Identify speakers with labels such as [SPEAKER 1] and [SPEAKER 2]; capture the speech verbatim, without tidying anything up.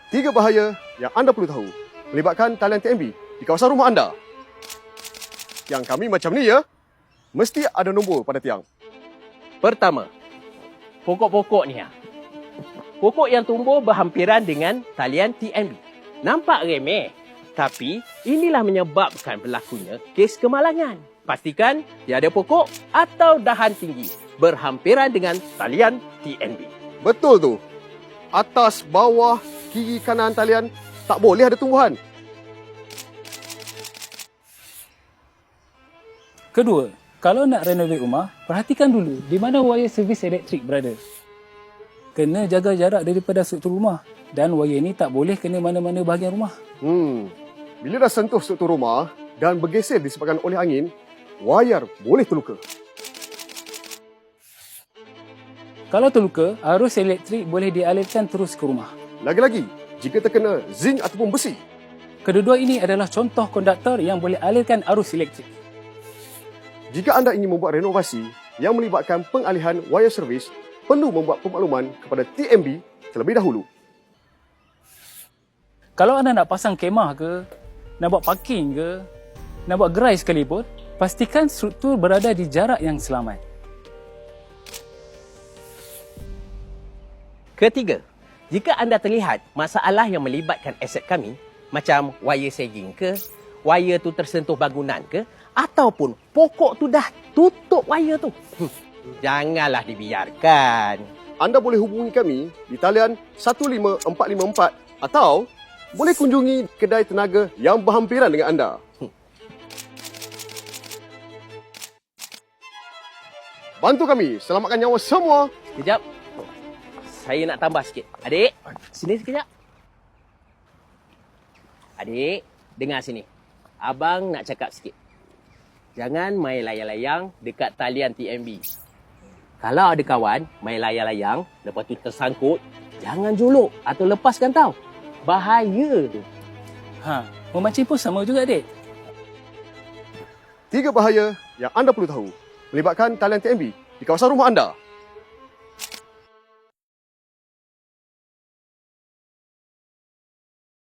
[SPEAKER 1] Tiga bahaya yang anda perlu tahu melibatkan talian T M B di kawasan rumah anda. Yang kami macam ni ya, mesti ada nombor pada tiang.
[SPEAKER 2] Pertama, pokok-pokok ni. Ha. Pokok yang tumbuh berhampiran dengan talian T M B. Nampak remeh, tapi inilah menyebabkan berlakunya kes kemalangan. Pastikan tiada pokok atau dahan tinggi berhampiran dengan talian T M B.
[SPEAKER 1] Betul tu. Atas, bawah, kiri, kanan talian tak boleh ada tumbuhan.
[SPEAKER 3] Kedua, kalau nak renovate rumah, perhatikan dulu di mana wire servis elektrik berada. Kena jaga jarak daripada struktur rumah dan wire ni tak boleh kena mana-mana bahagian rumah.
[SPEAKER 1] Hmm. Bila dah sentuh struktur rumah dan bergeser disebabkan oleh angin, wayar boleh terluka.
[SPEAKER 3] Kalau terluka, arus elektrik boleh dialirkan terus ke rumah.
[SPEAKER 1] Lagi-lagi, jika terkena zinc ataupun besi.
[SPEAKER 3] Kedua-dua ini adalah contoh konduktor yang boleh alirkan arus elektrik.
[SPEAKER 1] Jika anda ingin membuat renovasi yang melibatkan pengalihan wire servis, perlu membuat pemakluman kepada T M B terlebih dahulu.
[SPEAKER 3] Kalau anda nak pasang kemah ke, nak buat parking ke, nak buat gerai sekalipun, pastikan struktur berada di jarak yang selamat.
[SPEAKER 2] Ketiga, jika anda terlihat masalah yang melibatkan aset kami, macam wire sagging ke, wire tu tersentuh bangunan ke, ataupun pokok tu dah tutup wire tu, hmm, janganlah dibiarkan.
[SPEAKER 1] Anda boleh hubungi kami di talian satu lima empat lima empat atau boleh kunjungi kedai tenaga yang berhampiran dengan anda. Hmm. Bantu kami selamatkan nyawa semua.
[SPEAKER 2] Sekejap. Saya nak tambah sikit. Adik, sini sekejap. Adik, dengar sini. Abang nak cakap sikit. Jangan main layang-layang dekat talian T M B. Kalau ada kawan main layang-layang, lepas tu tersangkut, jangan juluk atau lepaskan tau. Bahaya tu.
[SPEAKER 3] Ha, memancing pun sama juga, adik.
[SPEAKER 1] Tiga bahaya yang anda perlu tahu melibatkan talian T M B di kawasan rumah anda.